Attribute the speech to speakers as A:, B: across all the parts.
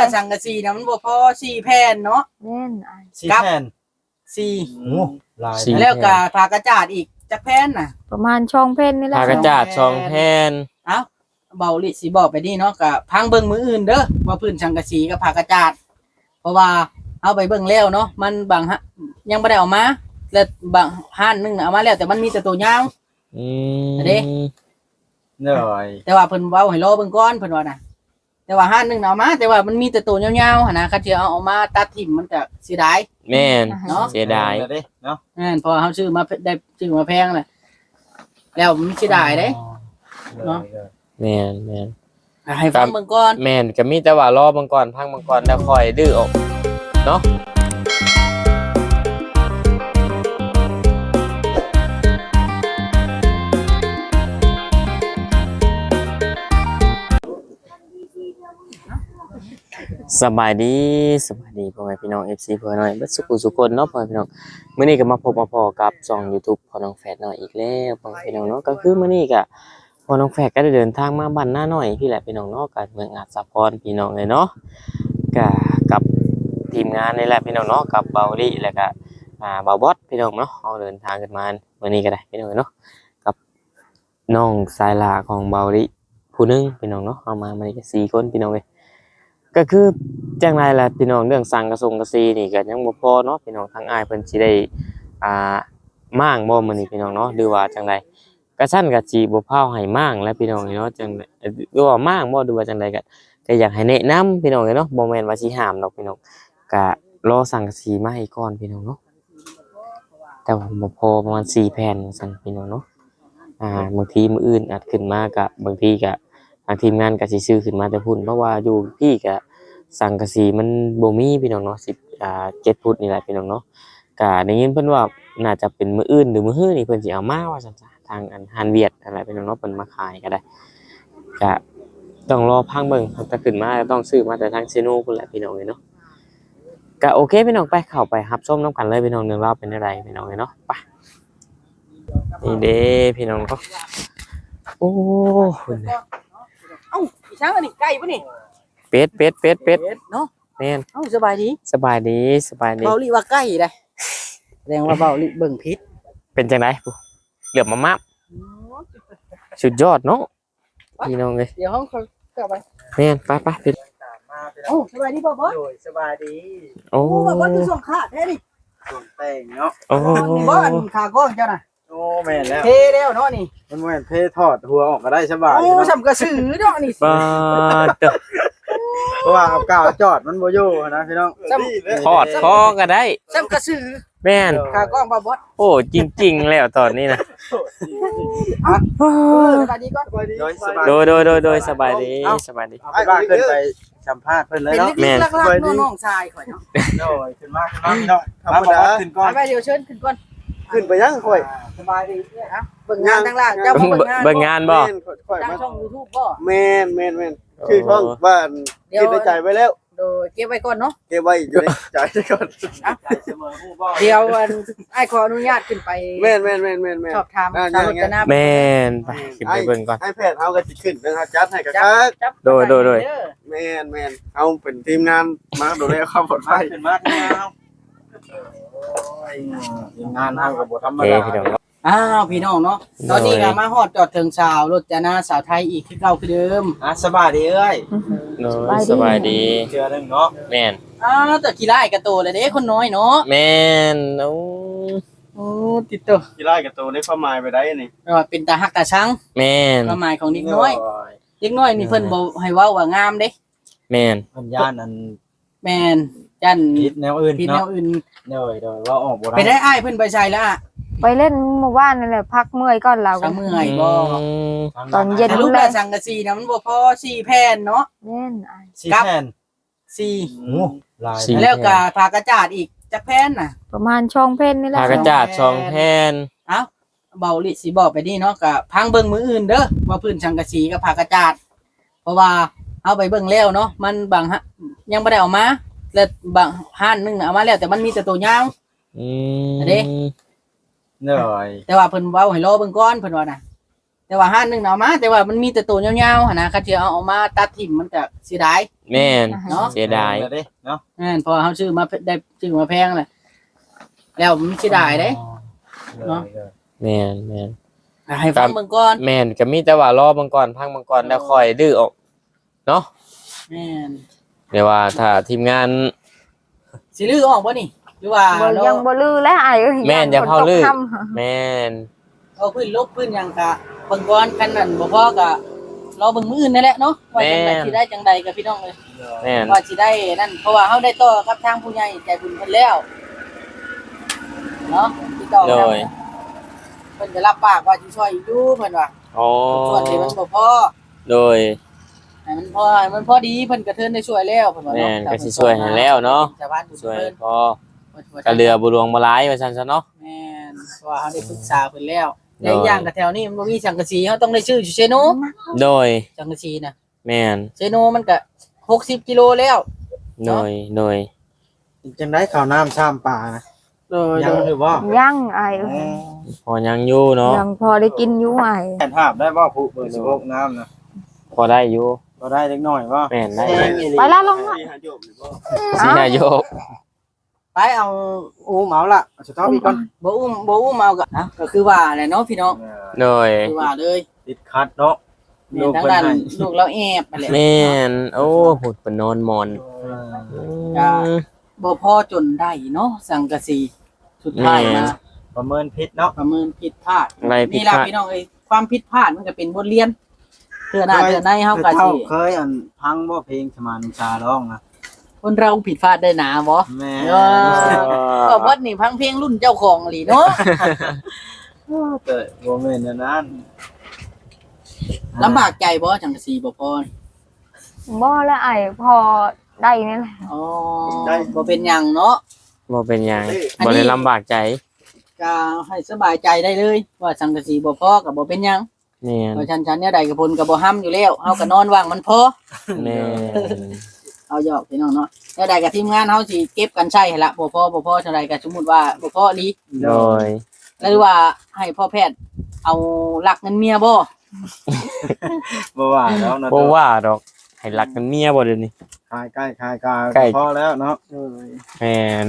A: สังกะสีนะมันบ่พอ4แผ่นเนาะ
B: แม่น
C: 4แผ่น
A: 4
C: โอ้หลาย
A: แล้วก็ผ้ากระจาดอีกจักแผ่นน่ะ
B: ประมาณช่องเพ่นนี่แหละ
D: ผ้ากระจาด2แผ่น
A: เอ้าเบาลิสิบอกไปนี่เนาะก็พังเบิ่งมื้ออื่นเด้อว่าพื้นสังกะสีกับผ้ากระจาดเพราะว่าเอาไปเบิ่งแล้วเนาะมันบางยังบ่ได้เอามาแล้วบางห้านนึงเอามาแล้วแต่มันมีแต่ตัวยาวเด้
C: เหนื่อย
A: แต่ว่าเพิ่นเว้าให้รอเบิ่งก่อนเพิ่นว่าน่ะแต่ว่าห้านนึงเอามาแต่ว่ามันมีแต่ตัวยาวๆหั่นนะคันสิเอามาตัดทิ่มมันก็เสียดาย
D: แม่น
A: เนาะ
D: เสียดาย
C: เนาะ
A: เพราะเฮาซื้อมาได้ซื้อมาแพงน่ะแล้วมันเสียดายเด้เนาะ
D: แม่นแม่น
A: ให้ฟังเบิ่งก่อน
D: แม่นก็มีแต่ว่ารอเบิ่งก่อนพังเบิ่งก่อนแล้วค่อยดื้อออกเนาะสบายดีพ่อแม่พี่น้อง FC เพื่อนน้อยเบิดสุขคนเนาะพ่อแม่พี่น้องมื้อนี้ก็มาพบมาพอกับช่อง YouTube พ่อน้องแฝดน้อยอีกแล้วพ่อแม่พี่น้องเนาะก็คือมื้อนี้ก็พ่อน้องแฝดก็ได้เดินทางมาบ้านหน้าน้อยพี่แหละพี่น้องเนาะก็เมืองอาจสะพรพี่น้องเลยเนาะก็กับทีมงานนี่แหละพี่น้องเนาะกับเบาลี่แล้วก็เบาบอสพี่น้องเนาะเฮาเดินทางกันมามื้อนี้ก็ได้พี่น้องเนาะกับน้องสายลาของเบาลี่ผู้นึงพี่น้องเนาะเฮามามื้อนี้ก็4คนพี่น้องเอ้ยก็คือจังไรล่ะพี่น้องเรื่องสั่งกระทรวงกระซีนี่ก็ยังบ่พอเนาะพี่น้องทางอ้ายเพิ่นสิได้ม่างบ่มื้อนี้พี่น้องเนาะหรือว่าจังไดกระชั้นก็สิบ่พาให้ม่างแล้วพี่น้องเนาะจังหรือว่าม่างบ่หรือว่าจังไดก็อยากให้แนะนำพี่น้องเนาะบ่แม่นว่าสิห้ามดอกพี่น้องก็รอสั่งกระสีมาให้ก่อนพี่น้องเนาะแต่ว่าบ่พอประมาณ4แผ่นซั่นพี่น้องเนาะบางทีมื้ออื่นอาจขึ้นมาก็บางทีก็ทางทีมงานก็สิซื้อขึ้นมาแต่พุ่นเพราะว่าอยู่พี่ก็สังกะสีมันบ่มีพี่น้องเนาะ7 ฟุตนี่แหละพี่น้องเนาะก็ได้ยินเพิ่นว่าน่าจะเป็นมื้ออื่นหรือมื้อฮื้อนี่เพิ่นสิเอามาว่าซั่นจ้ะทางฮานเวียดอะไรพี่น้องเนาะเพิ่นมาขายก็ได้ก็ต้องรอพังเบิ่งถ้าขึ้นมาต้องซื้อมาแต่ทางเซโนพุ่นแหละพี่น้องเนาะก็โอเคพี่น้องไปเข้าไปรับชมนำกันเลยพี่น้องเรื่องราวเป็นจังไดพี่น้องเนาะไปนี่เด้พี่น้องก็โอ้
A: เอ้าอีช้างอันนี้ไก่ป่ะนี่
D: เป็ด
A: เนาะ
D: แม่น
A: เอ้าสบายดี
D: เบา
A: ลิว่าไก่ได้แสดงว่าเบาลิเบิ่งพิษ
D: เป็นจังได๋เหลือบมาสุดยอดเนาะพี่น้องเอ้ย
A: เดี๋ยวห้องเขากลับไป
D: แม่นไปเป็น
A: โอ้สบายดีบ่บ่
C: สบายดี
D: โอ้
A: บ่บ่คือส่งขาแท้นี่
C: ส่งแต่งเนาะ
D: โอ้
A: บ่อันขากล้องเจ้าน่ะ
C: โอ้แม่นแล้ว
A: เทแล้วเนาะนี่
C: มันแม่นเทถอดหัวออกก็ได้สบาย
A: โอ้สำกระสือเนาะนี่
D: ป้าเด้อ
C: เพราะว่าเอากาวจอดมันบ่อยู่นะพี่น้อง
D: ถอดคอก็ได้
A: สำกระสือ
D: แม่น
A: ขากล้องบ่บ่
D: โอ้จริงๆแล้วตอนนี้นะ
A: สบายดีก่อน
D: โดยสบายดี
C: ไปบ้านขึ้นไปสัมภาษณ์เพิ่นเลยเนาะ
A: แม่นลักๆน้องชายข่อยเนาะ
C: โดยขึ้นมาพี่น้องธรรมดาขึ้นก่อน
A: ไปเดี๋ยวเชิญขึ้นก่อน
C: ขึ้นไปยังค่อย
A: สบายดีครับเบิ่งงานทางล่างเจ้าเ
D: บิ่งงานบ่
A: ตั้งช่อง YouTube บ่
C: แม่นคือช่องบ้านคิดในใจไว้แล้ว
A: โดยเก็บไว้ก่อนเนาะ
C: เก็บไว้อยู่ในใจก่อน
A: เดี๋ยวอ้ายขออนุญาตขึ้นไป
C: แม่น
A: ชอบถามสาวรจนา
D: แม่นไปขึ้นไปเบิ่งก่อน
C: ให้แพทย์เฮาก็สิขึ้นเป็นจัดให้กะคัก
D: โดย
C: แม่นเอาเป็นทีมงานมาดูแลความปลอดภัยขึ้นมาทีมงานเฮาก็บ่ธรรมดา
A: พี่น้องเนาะตอนนี้ก็มาฮอดจอดถึงสาวรจนาสาวไทยอีกคือเก่าคือเดิม
C: สบายดีเอ้ย
D: สบายดี
C: เจอนึงเนาะ
D: แม่น
A: แต่กีฬาก็โตแล้วเด้คนน้อยเนาะ
D: แม่น
A: โอ้ติดตัว
C: กีฬาก็โตได้ความหมายไปได้นี่
A: เป็นตาฮักตาชัง
D: แม่น
A: ความหมายของเด็กน้อยนี่เพิ่นบ่ให้เว้าว่างามเด้
D: แม่น
C: เพิ่นย่านอัน
A: แม่นย่าน
C: ผิดแนวอื่น
A: ผิดแนวอื่น
C: โดยว่าออกบ่
A: ได้ไปได้อ้ายเพิ่นไปใส่แล้ว
B: ไปเล่นหมู่บ้านนั่นแหละพักเมื่อยก่อนเรา
A: เมื่อยบ่
B: ตอนเย็น
A: ลูกสังกะสีนะมันบ่พอ4แผ่นเนาะ
B: แม่น
C: 4แผ่น
A: 4
C: โอ้หลาย
A: แล้วก็ผ้ากระจาดอีกจักแผ่นน่ะ
B: ประมาณช่องเพ่นนี่แหละ
D: ผ้ากระจาด2แผ่น
A: เอ้าเบาลิสิบอกไปนี่เนาะก็พังเบิ่งมื้ออื่นเด้อว่าพื้นสังกะสีกับผ้ากระจาดเพราะว่าเอาไปเบิ่งแล้วเนาะมันบางยังบ่ได้เอามาแล้วบางห้านนึงเอามาแล้วแต่มันมีแต่ตัวยาวเด้
C: เหนื่อย
A: แต่ว่าเพิ่นเว้าให้รอเบิ่งก่อนเพิ่นว่าน่ะแต่ว่าห้านหนึงเอามาแต่ว่ามันมีแต่ตัวยาวๆหั่นนะคันที่เอามาตัดทิ่มมันก็เสียดาย
D: แม่น
A: เนาะ
D: เสียดาย
C: เนาะ
A: เพอเฮาซื้อมาได้ซื้อมาแพงแหละแล้วมันเสียดายเด้ เนาะ
D: แม่นแม่น
A: ให้ฟังเบิ่งก่อน
D: แม่นก็มีแต่ว่ารอเบิ่งก่อนพังเบิ่งก่อนแล้วค่อยดื้อออกเนาะ
A: แม่น
D: เดี๋ยวว่าถ้าทีมงาน
A: สิลือออกบ่นี่หรือว่า
B: บ่
A: เรา
B: ยังบ่ลือแล้วอ้ายเอ้ย
D: แม่นอย่าเผาลือ
B: ฝนตกค่ำ
D: แม่น
A: เอาพื้นลบพื้นหยังกะเบิ่งก่อนคันนั้นบ่พอก็รอเบิ่งมื้ออื่นนั่นแหละเนาะว่าจังไดสิได้จังใดกับพี่น้องเลย
D: แม่น
A: ว่าสิได้นั่นเพราะว่าเฮาได้ต่อกับทางผู้ใหญ่ใจบุญเพิ่นแล้วเนาะติดต่อ
D: โด
A: กัน
D: ย
A: เพิ่นก็รับปากว่าสิช่วยอยู่เพิ่นว่า
D: อ๋อ
A: ส่วนที่มันบ่พอ
D: โดย
A: ให้มันพอดีเพิ่นก็เทินได้ช่วยแล้วเพิ่นว่า
D: แม่
A: เนาะ
D: นก็สิช่วยให้แล้วเนาะ
A: ชาวบ้านบุญ
D: ช่วย
A: เพิ่น
D: พอก็เรือบ่หลวงบ่หลายว่าซั่นซะเนาะ
A: แม่นเพราะว่าเฮาได้ปรึกษาเพิ่นแล้ว
D: โดย
A: และอีกอย่างก็แถวนี้มันบ่มีสังกะสีเฮาต้องได้ชื่ออยู่เซโน
D: โดย
A: สังกะสีน่ะ
D: แม่น
A: เซโนมันก็60กิโลแล้ว
D: โดยโดย
C: จังได้ข้าวน้ำชามปลานะ
A: โดย
C: ยังหรือบ่
B: ยังอ้ายเอ้ย
D: พอยังอยู่เนาะ
B: ยังพอได้กินอยู่อ้าย
C: แผ่นภาพได้บ่ผู้เบอร์16น้ำนะ
D: พอได้อยู่
C: ก็ได้เล็กน้อยบ่
D: แม่นได้
B: ไปแล้วลงละ
D: สินายก
A: ไปเอา
C: โอ้เหมาละสุดท้ายอีกก่อน
A: บ่อุ้มเอาก็นะก็คือว่าแหละเนาะพี่น้อง
D: โดย
A: คือว่าเลย
C: ติดคัดเนาะ
A: แม่นทางด้านลูกเราแอบไปแหละ
D: แม่นโอ้พูดเป็นนอนหมอน
A: จ้า บ่พอจนได้เนาะสังกะสีสุดท้ายมา
C: ประเมินพิษเนาะ
A: ประเมินผิดพลาด
D: อะไรผิด
A: นี่ล่ะ
D: พลาด
A: พี่น้องเอ้ยความผิดพลาดมันก็เป็นบทเรียนเทื่อหน้าเทื่อในเฮาก็สิ
C: เคยอันพังบ่เพลงสมานชาร้องนะ
A: คนเราผิดพลาดได้หนาบ่
C: แม่
A: ก็วัดนี่พังเพลงรุ่นเจ้าของอีหลีเนาะ
C: เกิดบ่แม่นอันนั้น
A: ลำบากใจบ่จังกะสีบ่พอ
B: บ่แล้วอ้ายพอได้นี่แหละ
A: อ๋อบ่เป็นหยังเนาะ
D: บ่เป็นหยัง
A: อันนี้
D: บ่ได้ลำบากใจ
A: ก็ให้สบายใจได้เลย ว่าสังกะสีบ่พอก็บ่เป็นหยัง
D: แม่น
A: เพราะฉันเนี่ยใดกับพลก็บ่ห้ำอยู่แล้วเฮาก็นอนว่างมันพอ
D: แม่น
A: เอาหยอกพี่น้องเนาะเนี่ยใดกับทีมงานเฮาสิเก็บกันใช้ให้ละบ่พอจังไดก็สมมุติว่าบ่พออีหลี
D: โดย
A: หรือว่าให้พ่อแพทย์เอาลักเงินเมียบ่
C: บ่ว่าแล้วนะ
D: บ่ว่าดอกให้รักกันเมียบ่เดี๋ยวนี้
C: คายใกล้คายกา
D: ใกล้
C: พอแล้วเนาะ
D: แม่น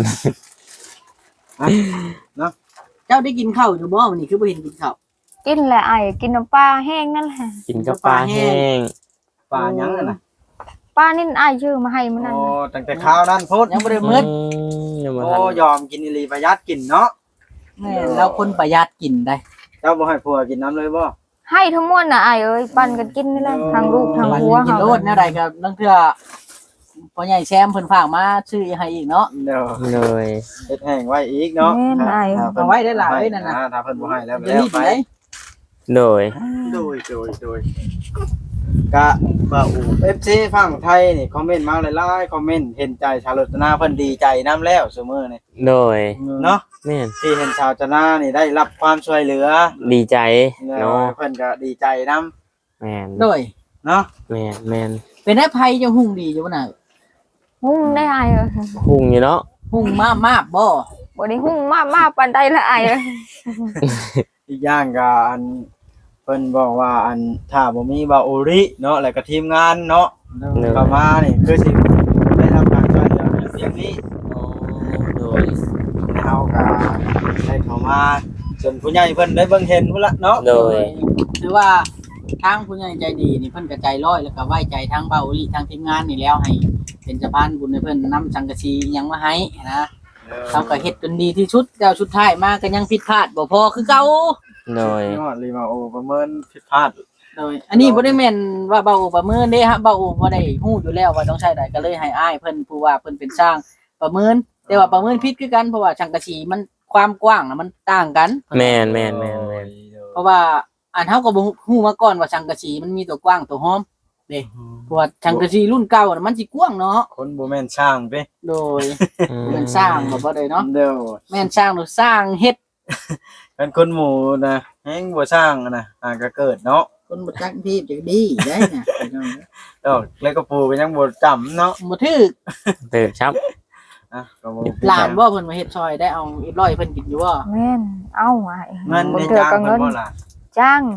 A: เจ้าได้กินข้าวอยู่บ่วันนี้คือบ่เห็นกินข้าว
B: กินแหละอ้ายกินน้ำปลาแห้งนั่นแหละ
D: กินกับปลาแห้ง
C: ปลายังน่ะ
B: ปลานี่อ้ายชื่อมาให้มันนั่น
C: โอ้
B: น่ะ
C: ตั้งแต่ข้าวนั้นโพด
A: ยังบ่ได้มื้อ
D: ยังบ่
C: โอ้
D: ทัน
C: ยอมกินอีหลีประหยัดกินเนาะ
A: แม่นแล้วคนประหยัดกินได้
C: เจ้าบ่ให้ผัวกินน้ำเลยบ่
B: ให้ทั้งมวลน่ะอ้ายเอ้ยปั่นกันกินนี่แหละทางลูกทาง
A: วัน
B: ผัว
A: นี้กิน
B: เฮา
A: โลดแนวใดก็ลางเทื่อพ่อใหญ่แซมเพิ่นฝากมาซื้อให้อีกเนาะ
C: เดี๋ยว
D: เลย
C: เฮ็ดแห้งไว้อีกเนาะ
B: แม่นอ้าย
A: เอาไว้ได้หลายนั่นน่ะ
C: ถ้าเพิ่นบ่ให้แล้ว
A: จะ
C: แล้ว
A: รีบ
C: ไป
A: ไป
D: โดย
C: โดยกะบ่าว FC ฝั่งไทยนี่คอมเมนต์มาหลายๆคอมเมนต์เห็นใจชาวรจนาเพิ่นดีใจนํแล้วซุมื้อนี่
D: โดย
C: เนาะ
D: แม่น
C: ที่เห็นชาวจนานี่ได้รับความช่วยเหลือ
D: ดีใจ
C: เนา
D: เนาะ
C: เพิ่นก็ดีใจนํ
D: แม่น
A: โดย
C: เนาะ
D: แม่นแม่น
A: เป็นได้ภัยจะหุ่งดีอยู่บ่น่ะ
B: หุ้งได้อ้ายเอ้ย
D: คุ้งอยู่เนาะ
A: หุ่งมากบ่
B: บ่ได้หุ้งมากปานใดละอ้ายเอ้ย
C: อีกอย่างก็อันเพิ่นบอกว่าอันถ้าบ่มีบาโอริเนาะแล้วก็ทีมงานเนาะ เข้ามานี่คือสิได้รับการช่วยเหลือเพียงนี้
D: โดย
C: เฮาก็ได้เข้ามาจนผู้ใหญ่เพิ่นได้เบิ่งเห็นพุ่นละเนาะ
D: โดย
A: ถือว่าทางผู้ใหญ่ใจดีนี่เพิ่นก็ใจร้อยแล้วก็ไว้ใจทางเบาอีหลีทางทีมงานนี่แล้วให้เป็นสะพานบุญให้เพิ่นนำสังกะสีอิหยังมาให้นะเขาก็เฮ็ดจนดีที่สุดแล้วสุดท้ายมาก็ยังผิดพลาดบ่พอคือเก่า
D: โดย
C: ยอดรีมาโอประเมินผิดพลาด
A: โดยอันนี้บ่ได้แม่นว่าเบาประเมินเด้ฮะเบาบ่ได้ฮู้อยู่แล้วว่าต้องใช้ใดก็เลยให้อ้ายเพิ่นผู้ว่าเพิ่นเป็นช่างประเมินแต่ว่าประเมินผิดคือกันเพราะว่าสังกะสีมันความกว้างน่ะมันต่างกัน
D: แม่นแม่นแม่นแม่น
A: เพราะว่าอันเฮาก็บ่ฮู้มาก่อนว่าสังกะสีมันมีตัวกว้างตัวหอมเด้เพราะว่าสังกะสีรุ่นเก่าน่ะมันสิกว้างเนาะ
C: คนบ่แม่นช่างเด้
A: โดยแม่นสร้างบ่ได้เนาะ
C: เด้อ
A: แม่นสร้างหรือสร้างเฮ็ด
C: เป็นคนหมู่นะแฮงบ่ช่างนะก็เกิดเนาะ
A: คนบ่จักที่จะดีได้น่ะ
C: ดอกแล้วก็ปูก็ยังบ่จำเนาะ
A: บ่ถึก
D: เติบครับ
C: อ่ะก็บ่
A: หลานบ่เพิ่นมาเฮ็ดซอยได้เอาอีกร้อยเพิ่นกินอยู่บ่
B: แม่นเอาอ้าย
C: เงิน
B: บ่
C: ใน
B: เทื่อ
C: จ้าง
B: ก็
C: เพิ่
B: เงิ
C: น
B: น
C: บ่ล่ะ
B: จ้าง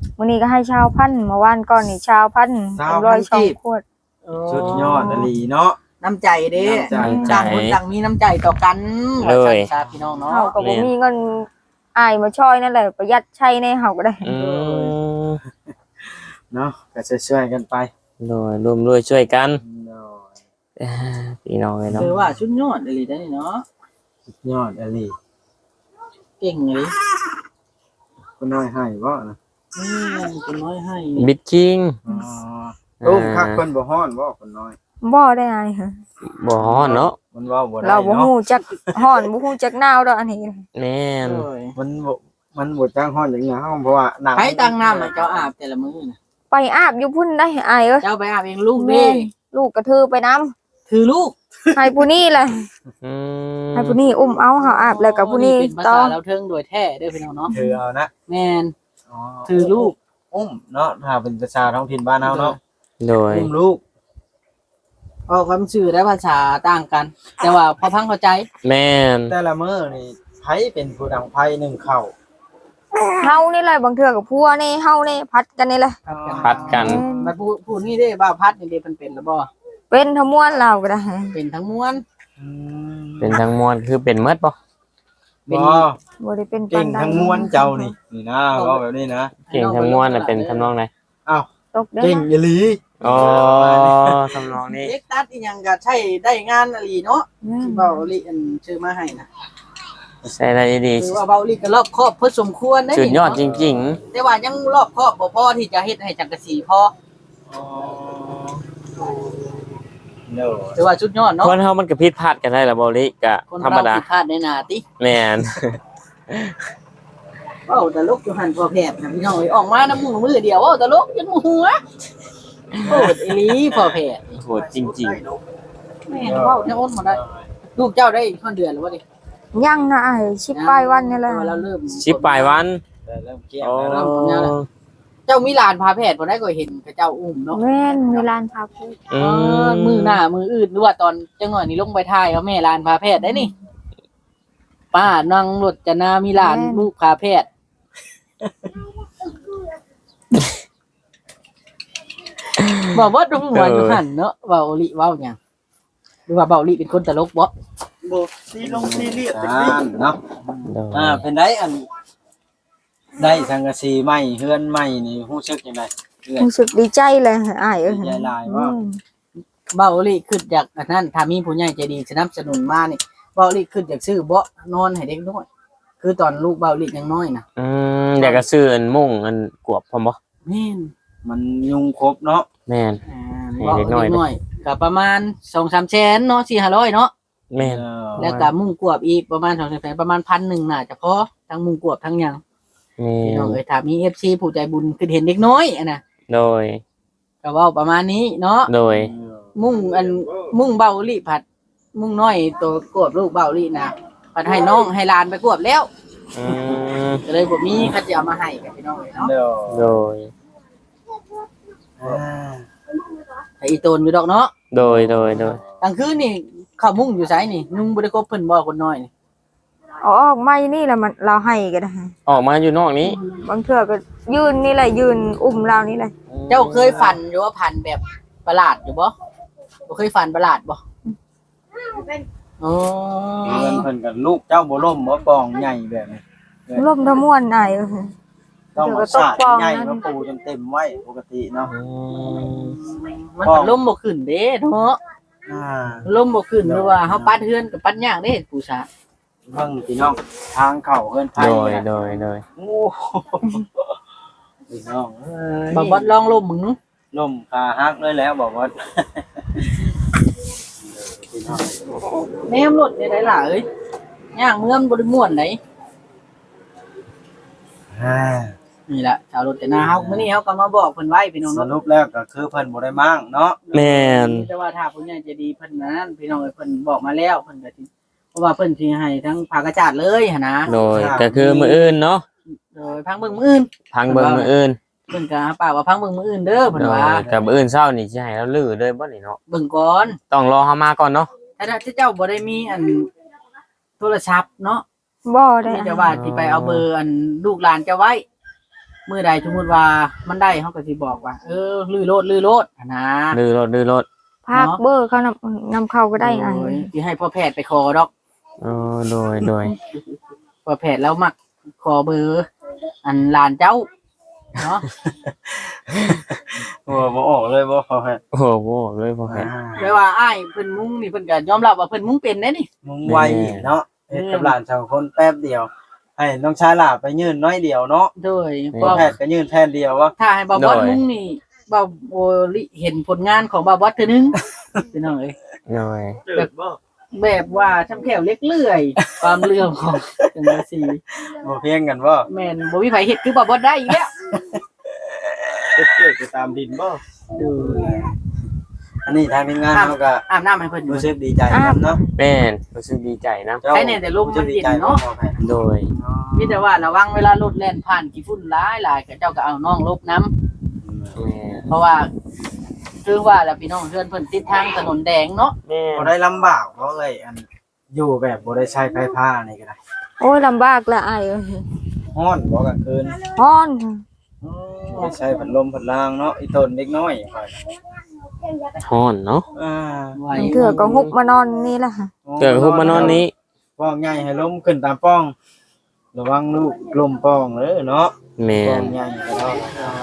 B: มื้อนี้ก็ให้ชาวพันธุ์เมื่อวานก่อนนี่ชาวพันธุ์102ขวด
C: สุดยอดอหลีเนาะ
A: น้ำใจเด้
C: น้ำใจ
A: ต่างคนต่างมีน้ำใจต่อกัน
D: เลย
A: ว่าซั่นซะพี่น้องเนาะ
B: เฮาก็บ่มีเงินอายมาช่วยนั่นแหละประหยัดใช้ในเฮาก็ได้
D: อืม
C: เนาะก็ช่วยๆกันไป
D: โดยร่วมด้วยช่วยกัน
C: เนาะ
D: พี่น้องเลยเนาะ
A: คือว่าชุดยอดอีหลีได้อนี่เนาะ
C: สุดยอดอหลี
A: เก่งเลย
C: คนน้อยให้บ่นะ
A: คนน้อยให้
D: บิดคิง
C: อ๋อตุ้มคักเพิ่นบ่ฮ้อนบ่คนน้อย
B: บ่ได้อายค่ะ
D: บ่ฮ้อนเนาะ
C: มันเว้าบ่ได้
B: เราบ่
C: เนาะ
B: ฮู้จักฮ้อนบ่ฮู้จักหนาวดอกอันนี้
D: แม่น
A: โอ้ย
C: มันบ่จังฮ้อนอย่างเงี้ยเฮาเพราะว่าหนัง
A: ใครตั้งน้ำให้เจ้าอาบแต่ละมื้อน่ะ
B: ไปอาบอยู่พุ่นได้อายเอ้ย
A: เจ้าไปอาบเองลูก
B: แม่
A: เด้
B: ลูกกระทือไปน้ำ
A: คือลูก
B: ให้ผู้นี้แหละ
D: อืม
B: ให้ผู้นี้อุ้มเอาเฮาอาบแล้วกับผู้นี้
A: เป็นภา
B: ต่อ
A: ษาเราวเทิงโดยแท้เด้อพี่น้องเนาะ
C: ถือเอานะ
A: แม่น
C: อ๋อ
A: ถือลูก
C: อุ้มเนาะถ้าเป็นภาษาท้องถิ่นบ้านเฮาเนาะ
D: โดย
C: อุ้มลูก
A: ออกคำชื่อและภาษาต่างกัน แต่ว่าพอพังเข้าใจ
D: แม่น
C: แต่ละมื้อนี่ไผเป็นผู้ดังไผหนึ่งเข้า
B: เฮานี่แหละบางเทื่อกับผัวนี่เฮานี่พัดกันนี่แหละ
D: พัดกัน
A: มาพูดนี่เด้บ่าวพัดนี่เด้เพิ่นเป็นแล้วบ่
B: เป็นทั้งมวลเราก็ได้
A: เป็นทั้งมวล
C: อืม
D: เป็นทั้งมวลคือเป็นเมดบ่
A: เป็น
C: บ่
B: บ่ได้เป็น
C: เก่งทั้งม้วนเจ้านี่นี่นะเว้าแบบนี้นะ
D: เก่งทั้งมวลน่ะเป็นทำนองไหน
C: อ้าว
B: ตกได้
C: เก่งอีหลี
D: อ๋อทำนองนี้
A: เอ็กตัดอีหยังก็ใช้ได้งานอะลีเนาะที่เบาลิอันชื่อมาให้นะ
D: ใช่ได้ดี
A: คือว่าเบาลิก็รอบครอบพอสมควรได้
D: สุดยอดจริง
A: แต่ว่ายังรอบครอบบ่พอที่จะเฮ็ดให้จังกะสีพอ
C: อ๋อเด้อ
A: ถือว่าชุดยอด
D: ๆ
A: เนาะ
D: คนเฮามันก็ผิดพลาดกันได้ล่ะบ่ลิก็
A: คน
D: ธรรม
A: เรา
D: ดา
A: ผิดพลาดในหน้าติ
D: แม่น
A: เว้าตลกอยู่หั่นพอแพทย์นะพี่น้องเอ้ยออกมาน้ำมือเดียวเว้าตลกจนหัวโอ้ยอีหลีพอแพทย์
D: โหดจริง
A: แม่นเว้าแท้อ้นบ่ได้ลูกเจ้าได้คนเดือนแล้วบ่ดิ
B: ยังนะอ้ายชิบปลายวันนี่แหละ
A: เราเริ่ม
D: ๆชิปปลายวัน
C: แต่เริ่มเกลี้ยง
D: อ๋อ
C: แล้วเนาะ
A: เจ้ามีหลานพาแพทย์บ่ได้ก็เห็นกับเจ้าอุ้มเนาะ
B: แม่นมีร้านพาพู
D: อื
A: มือหน้ามืออื่นหรือว่าตอนจังหวะนี้ลงไปถ่ายเอาแม่หลานพาแพทย์ได้นี่ ป้านั่งรถจะนามีหลานลูกพาแพทย์บอกว่าตรงหัวอยู่หันเนาะเบาลิเว้าหยังหรือว่าเบาลิเป็นคนตลกบ่
C: บ่ซีลงซีเรียสเนาะ
D: โดย
C: เป็นได้อันได้สังกะสีใหม่เฮือนใหม่นี่รู้สึกจังไดเอื้อย
B: รู้สึกดีใจเลยอ้ายเอ้ย
C: ดีใจหลายว่า
A: เบาลิขึ้นจากอันนั้นถ้ามีผู้ใหญ่ใจดีสนับสนุนมานี่เบาลิขึ้นจากซื้อเบาะนอนให้เด็กน้อยคือตอนลูกเบาลิยังน้อยนะ
D: อยากจะซื้ออันมุ่งอันกวบพร้อมบ่
A: แม่น
C: มันยุงครบเนาะ
D: แม่น ให้
A: เบา
D: เด็
A: เด็
D: ก
A: ก
D: น้อย
A: น้อยก็ประมาณ 2-3 แสนเนาะ4-500เนาะ
D: แม่น
A: แล้วก็มุ้งกวบอีกประมาณ2-3แสนประมาณ 1,000น่าจะพอทั้งมุ้งกวบทั้งหยัง
D: แม่
A: พี่น้อง
D: น
A: เอ้ยถ้ามี FC ผู้ใจบุญคือเห็นเด็กน้อยอะนะ
D: โดย
A: ก็เว้าประมาณนี้เนาะ
D: โดย
A: มุ่งเบาลิผัด มุ่งน้อยตัวกวบลูกเบาลินะผัดให้น้องให้หลานไปกวบแล้ว
D: อืม
A: ก็เลยบ่มีเขาจะเอามาให้กับพี่น้องเลยเนาะ
C: เดี๋ยว
D: โดย
A: แต่อีโตนอยู่ดอกเนาะ
D: โดย โดย โดย
A: กลางคืนนี่เข้ามุ่งอยู่ไสนี่นุ่งบ่ได้คบเพิ่นบ่คนน้อยนี่
B: เอาออกไม่นี่แหละมันเราให้ก็ได้
D: ออกมาอยู่นอกนี้
B: บางเทื่อก็ยืนนี่แหละยืนอุ้มเรานี่แหละ
A: เจ้าเคยฝันอยู่ว่าพันแบบประหลาดอยู่บ่บ่เคยฝันประหลาดบ่อ๋อ
C: เงินเพิ่นกับลูกเจ้าบ่ล่มบ่ปองใหญ่แบบนี้
B: ล่มทั้งมวลอ้ายเอ้ย
C: ต้องเอาสาดใหญ่มาปูจนเต็มไว้ปกติเนาะ
A: มันก็ล้มบ่ขึ้นเด้เนาะ
C: อ่า
A: ล้มบ่ขึ้นหรือว่าเฮาปัดเฮือนก็ปัดยากเด้ผู้ชาย
C: เบิ่งพี่น้องทางเข้าเฮือนไผ
D: โดย โดย โดย
C: โอ้โหพี่น้องเอ้ย
A: บ่บ่ลองล้มมึง
C: ล่มขาหักเลยแล้วบอกว่าพี่น้อง
A: แนมรถได้ล่ะเอ้ยย่างเมืองบ่ได้ม่วนได
C: อ่า
A: นี่ล่ะชาวรถแต่นาเฮามื้อนี้เฮาก็มาบอกเพิ่นไว้พี่น้อง
C: ส
A: เนาะ
C: รุปแล้วก็คือเพิ่นบ่ได้มั่งเนาะ
D: แม่น
A: แต่ว่าถ้าผู้ใหญ่ใจดีเพิ่นนั้นพี่น้องเอ้ยเพิ่นบอกมาแล้วเพิ่นก็สิเพราะว่าเพิ่นสิให้ทั้งภาคกระจาดเลยหั่นนะ
D: โดย ก็คือมืออื่นเนาะ
A: โดยพังเบิ่งมื้ออื่น
D: พังเบิ่งมืออื่น
A: เพิ่นก็ปากว่าพังเบิ่งมื้ออื่นเด้อเพิ่น
D: โดย
A: ว่า
D: กับมืออื่นเช้านี่สิให้เราลื้อเลยบ่นี่เนาะ
A: เบิ่งก่อน
D: ต้องรอเฮามาก่อนเนาะ
A: ถ้าเจ้าบ่ได้มีอันโทรศัพท์เนาะ
B: บ่ได้
A: ที่จะว่าสิไปเอาเบอร์อันลูกหลานเจ้าไว้มื้อใดสมมุติว่ามันได้เฮาก็สิบอกว่าลื้อโลดอะนะ
D: ดื้อรถ
B: ภาคเบอร์เขานำเข้าก็ได้ไอ้
A: โยสิให้พ่อแพทย์ไปขอดอก
D: โดย
A: พ่อแพทย์แล้วมักขอเบอร์อันหลานเจ้าเนาะ
C: โอ้บ่ออกเลยบ่พอแพ้
D: โอ้โหเลยพ่อแพทย์
A: แปลว่าอ้ายเพิ่นมุ้งนี่เพิ่นก็ยอมรับว่าเพิ่นมุ้งเป็นเด้นี่
C: มึงไวเนาะเฮ็ดกับหลาน2คนแป๊บเดียวให้น้องชายหลาไปยืนน้อยเดียวเนาะ
A: โดย
C: พ่อแพทย์ก็ยืนแทนเดียววะ
A: ถ้าให้บ่าวบอสมุ้งนี่บ่าวโอลิเห็นผลงานของบ่าวบอสเทื่อนึงพี่น้องเอ้ย
D: โดย
A: แบบว่าช่ำแขวเล็กเลื่อย ความเรื่องของจังซี่
C: บ่เพียงกันบ่
A: แม่นบ่มีไผเฮ็ดคือบ่าวบอสได้อีกแล้ว
C: เกิดไปตามดินบ่
A: ดู
C: อันนี้ทางทีมงานเขาก็
A: อาบน้ำให้เพิ่นอยู่
C: รู้สึกดีใจครับเนาะ
D: แม่นรู้สึกดีใจนะ
A: ใช่แน่แต่ลมมันเย็นเนาะ
D: โดย
A: มีแต่ว่าระวังเวลารถแล่นผ่านกี่ฝุ่นหลายๆก็เจ้าก็เอาน้องลบน้ำ
D: แม่น
A: เพราะว่าคือว่าแล้วพี่น้องเพื่อนเพิ่นติดทางถนนแดงเนาะ
D: แม่
C: บ่
D: น
C: ได้ลำบากเพราะเลยอันอยู่แบบบ่ได้ใช้ไฟฟ้านี่ก็ได้
B: โอ้ยลำบากละไอ้
C: ฮ้อนบ่กลางคืน
B: ฮ้อน
C: ไม่ใช้พัดลมพัดรางเนาะอีต้นเด็กน้อยค่อย
D: ฮ้อนเนาะ
A: ไหว
B: มันเถื่อก็ฮุบมานอนนี่แหละค่ะ
D: เกิดหุบมานอนนี้
C: ป้องใหญ่ให้ล้มขึ้นตามป้อง ระวังลูกลมป้องเด้อเนาะ
D: แม่
C: ป้อน งใหญ่ก็ได้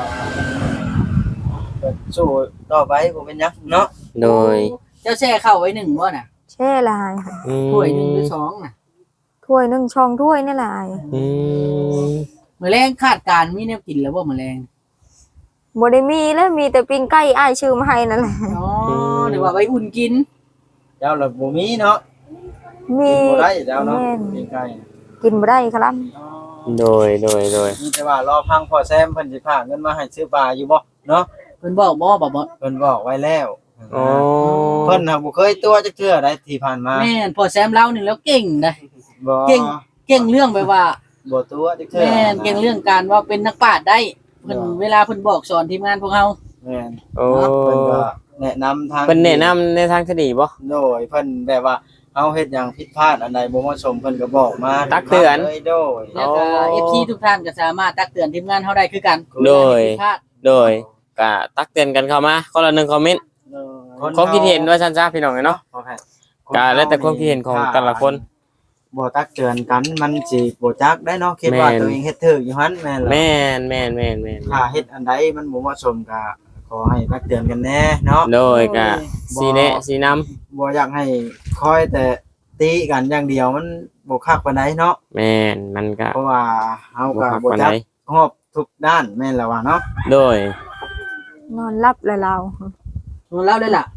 C: ก็สู้ต่อไปบ่เป็นหยังเนาะ
D: โดย
A: เจ้าแช่เข้าไว้หนึ่งบ่น่ะ
B: แช่ลายค่ะ
A: ถ้วยหนึ่งหรือสองน่ะ
B: ถ้วยหนึ่งช่องถ้วยนี่แหละไอ้
D: อืม
A: มื้อแรงคาดการณ์มีแนวกินแล้วบ่มื้อแรง
B: บ่ได้มีแล้วมีแต่ปิ้งไก่อ้ายชื่อมาให้นั่นแหละ
A: อ๋อหรือว่าไว้อุ่นกิน
C: เจ้าละบ่มีเนาะ
B: มี
C: กินบ่ได้เจ้าเนาะ
B: แม่น
C: กินไก่
B: กินบ่ได้ครับ
D: โดย
C: มีแต่ว่ารอพังพอแซมเพิ่นสิพาเงินมาให้ซื้อปลาอยู่บ่เนาะ
A: เพิ่นบอกบ่บ่
C: เพิ่นบอกไว้แล้ว
D: โอ้
C: เพิ่นน่ะบ่เคยตัวจักเทื่อได้ที่ผ่านมา
A: แม่นพอแซมเล่านี่แล้วเก่งได้
C: บ่
A: เก่งเรื่องแบบว่า
C: บ่ตัวจักเทื่อ
A: แม่นเก่งเรื่องการว่าเป็นนักปราชญ์ได้เพิ่นเวลาเพิ่นบอกสอนทีมงานพวกเฮา
C: แม่น
D: โอ้
C: เพิ่นก็แนะนำทาง
D: เพิ่นแนะนำในทางที่ดีบ่
C: โดยเพิ่นแบบว่าเฮาเฮ็ดหยังผิดพลาดอันใดบ่เหมาะสมเพิ่นก็บอกมา
D: ตักเตือน
C: เลยโดย
A: แล้วก็ FC ทุกท่านก็สามารถตักเตือนทีมงานเฮาได้คือกัน
D: โดย
A: ผิพลาด
D: โดยก็ตักเตือนกันเข้ามาคนละ1คอมเมนต์ความคิดเห็นว่าซั่นซะพี่น้องเนาะ
C: โอเค
D: ก็แล้วแต่ความคิดเห็นของแต่ละคน
C: บ่ตักเตือนกันมันสิบ่จักได้เนาะคิดว่า
D: แม่น
C: ตัวเองเฮ็ดถูกอยู่หั่นแม่นล่ะ
D: แม่น
C: ถ้าเฮ็ดอันใดมันบ่เหมาะสมก็ขอให้ตักเตือนกันแน่เนาะ
D: โดยก็สีแนะสีนำ
C: บ่อยากให้คอยแต่ตีกันอย่างเดียวมันบ่คักปานใดเนาะ
D: แม่นมันก็
C: เพราะว่าเฮา
D: บ่
C: ก็
D: คัก
C: บ่
D: ปาน
C: จั
D: ใด
C: กรอบทุกด้านแม่นแล้วว่าเนาะ
D: โดย
B: นอนรับเลยเรา
A: เล่าได้ล่ะ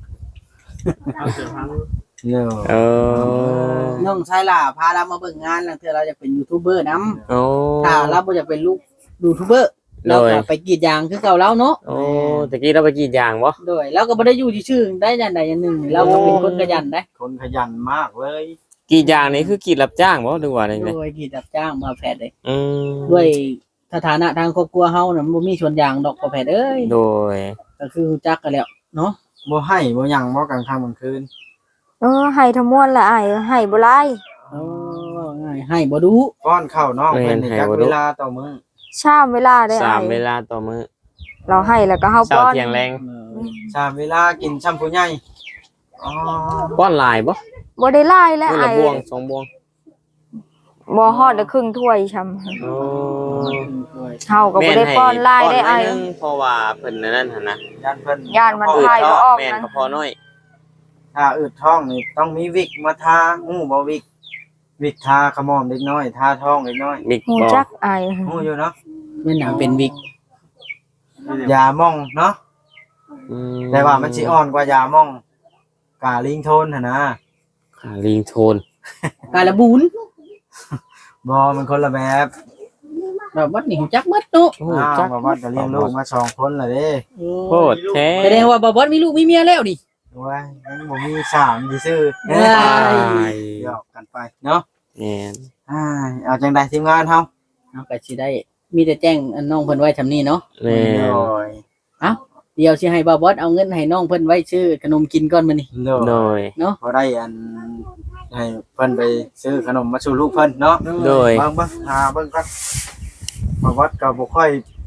C: เนาะ
D: เออ
A: น้องชายล่ะพาเรามาเบิ่งงานแล้วเทื่อเราจะเป็นยูทูบเบอร์นํ
D: โอ้
A: ถ้าเราบ่อยากเป็นลูกยูทูบเบอร์
D: โด
A: เรา
D: ย
A: ก็ไปกรีดยางคือเก่าแล้วเนาะ
D: โอ้ตะกี้เราไปกรีดยางบ่
A: โดยเราก็บ่ได้อยู่ที่ชื่อได้อย่างใดอย่างหนึ่งเราก็เป็นคนขยันได้
C: คนขยันมากเลย
D: กรีดยางนี่คือกรีดรับจ้างบ่หรือว่าอะไร
A: โด
D: เนี่ย
A: ยกรีดรับจ้างมาแพทย์เลย
D: อืม
A: ด้วยสถานะทางครอบครัวเฮาน่ะมันบ่มีสวนยางดอกบ่แพทย์เอ้ย
D: โดย
A: ก็คือรู้จักกันแล้วเนาะ
C: บ่ให้บ่หยังบ่กลางค่ำกลางคืน
B: ให้ทั้งมวลละไอ้ให้บ่หลาย
A: เออง่ายให้บ่ดู
C: ป้อนข้าวน้องเพิ่นนี่จักเวลาต่อมื้อ
B: ชามเวลาได้
D: สา
B: ไอ้
D: มเวลาต่อมื้อ
B: เราให้แล้วก็เฮา
D: เช้า
B: ป้อน
D: เที่ยงแรง
C: ชามเวลากินช่ำผู้ใหญ่อ๋อ
D: ป้อนหลายบ่
B: บ่ได้หลายแล้ว
D: มื้อละ
B: ไอ้
D: บวงสองบวง
B: บ่ฮอดได้ครึ่งถ้วยช่ำ
D: โอ้
B: เฮาก็บ่ได้ป้อนหลายได้ไอ้
D: ป้นหน่ยนึงเพราะว่าเพิ่นนั่นหั่นนะ
C: ย่านเพิ่น
B: ย่านมัน
D: อืด
B: ทายบ่
D: ท้อง
B: ออก
D: แม่น
B: นะ
D: ก็พอน้อย
C: ถ้าอืดท้องนี่ต้องมีวิกมาทาฮู้บ่วิกทาขมอมเล็กน้อยทาท้องเล็กน้อย
D: บิ๊ก
B: ฮู้
D: บ่
B: จักไอ้
C: ฮู้อยู่เนาะ
A: แม่นหนังเป็นวิก
C: ยาม่องเนาะ
D: อื
C: แต่ว่ามันสิอ่อนกว่ายาม่องกาลิงโทนหั่นนะ
D: ขาลิงโทน
A: กาละบูน
C: บ่มันคนละแบบ
A: แบบว่านี่ฮู้จักหมดเนาะ
D: โอ้
C: อ้าว
D: จัก
C: บ่ว่าจะเลี้ยงลูกมาสองคนล่ะเด้
D: โคตรแท้
A: แสดงว่าบ่บอสมีลูกมีเมียแล้วนี่
C: โอ้ยยังบ่มีสามซื่อ
A: เอ้ย
C: หยอกกันไปเนาะ
D: แม่น
C: เอาจังได๋ทีมงานเฮา
A: เอาก็สิได้มีแต่แจ้งอันน้องเพิ่นไว้ทำนี้เนาะ
D: แม่น
C: โดย
A: เดี๋ยวสิให้บ่าวบอสเอาเงินให้น้องเพิ่นไว้ซื้อขนมกินก่อนมื้อนี้
D: โดย
C: พอได้อันให้เพิ่นไปซื้อขนมมาสู่ลูกเพิ่นเนาะ
D: โดย
C: เบิ่งหาเบิ่งก่อนบ่วัดก็บ่ค่อย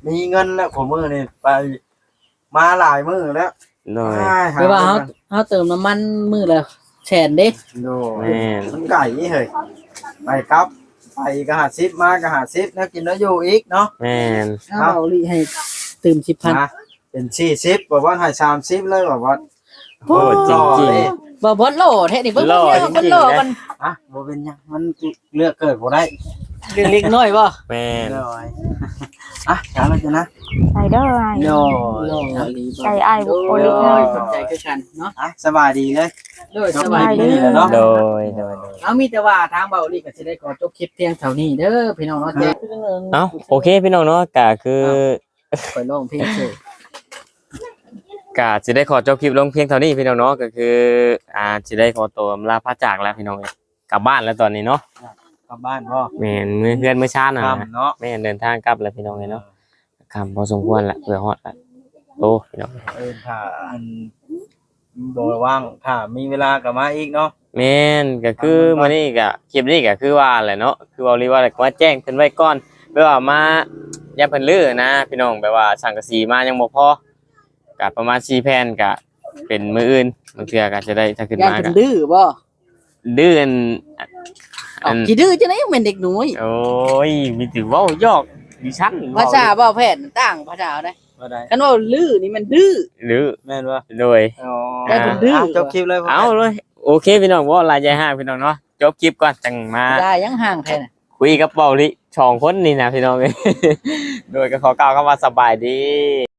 C: มีเงินแล้วของมื้อนี่ไปมาหลายมื้อแล้ว
D: โดย
A: แปลว่าเฮาเติมน้ำมันมื้อละแสนเด้
C: โด
D: แม่น
C: มันไก่เฮ้ยไปครับไปก็50มาก็50แล้วกินแล้วอยู่อีกเนาะ
D: แม่น
A: เอาเบาลิให้เติม 10,000
C: นะเป็น40บอกว่าให้30เลยบอกว่า
D: โอ้จริง
A: บ่บ่โลแท้นี่เบิ่ง
D: โล
A: เบิ่ง
D: จริงๆ
A: โล
D: นะ
A: มัน
C: อ่ะบ่เป็นหยังมันเลือกเกิดบ่ได้
A: เรื่องเล็กน้อยบ่
D: แม่น
C: เลยอ่ะถามแล้วจ้ะนะ
B: ใจเด้ออ้าย
C: โย
A: โลลีบ่
B: ใจอ้ายบ่โอลิ
A: โอ้
B: เลย ย
A: สนใจคือกันเนาะ
C: อ่ะสบายดีเลย
A: โดยสบายดี
C: เนาะ
D: โดยโดย
A: เอามีแต่ว่าทางเบาลีก็สิได้ขอจบคลิปเพียงเท่านี้เด้อพี่น้องเนาะแจ้ง
D: เอ้าโอเคพี่น้องเนาะก็คือ
A: ไปร้องเพลงเด้อ
D: ก็จะได้ขอจบคลิปลงเพียงเท่านี้พี่น้องเนาะก็คือจะได้ขอตัวลาพระจากแล้วพี่น้องเอ้ยกลับบ้านแล้วตอนนี้เนาะ
C: กลับบ้านพ่อ
D: แม่นมื้อเพื่อนมื้อชาติน่ะ
C: ค่ำเนาะ
D: แม่นเดินทางกลับแล้วพี่น้องเอ้ยเนาะค่ำพอสมควรละเพื่อฮอดละโตพี่น้อง
C: ถ้าอันบ่ว่างถ้ามีเวลาก็มาอีกเนาะ
D: แม่นก็คือมื้อนี้ก็คลิปนี้ก็คือว่าแหละเนาะคือเว้าลีว่าก็มาแจ้งเพิ่นไว้ก่อนเพื่อว่ามาอย่าเพิ่นลือนะพี่น้องแบบว่าสังกะสีมายังบ่พอก็ประมาณ4แผ่นก็เป็นมื้ออื่นบางเทื่อก็จะได้ถ้าขึ้น
A: ย่าน
D: มา
A: เพิ่
D: ก็
A: นดื้อบ่
D: ดื้ออัน
A: เอ้าสิดื้อจังได๋ยังเป็นเด็กน้อย
D: โอ้ยมีถือเว่ายอกดิฉัน
A: ภาษาเว้าแพทย์มันต่างภาษาได้
C: บ่ได้
A: คันว่าลื้อนี่มันดื้อ
D: หรือ
C: แม่นบ่
D: โดย
C: อ๋อ
A: ได้ผมดื้อ
C: จบคลิปเลยพ่
D: เอาเลยโอเคพี่น้องว่าลายใจห้างพี่น้องเนาะจบคลิปก่อนจังมา
A: ได้ยังห่างแท้น่ะ
D: คุยกับเบาลิ2 คนนี่นะพี่น้องเอ้ย โดยก็ขอกล่าวคำว่าสบายดี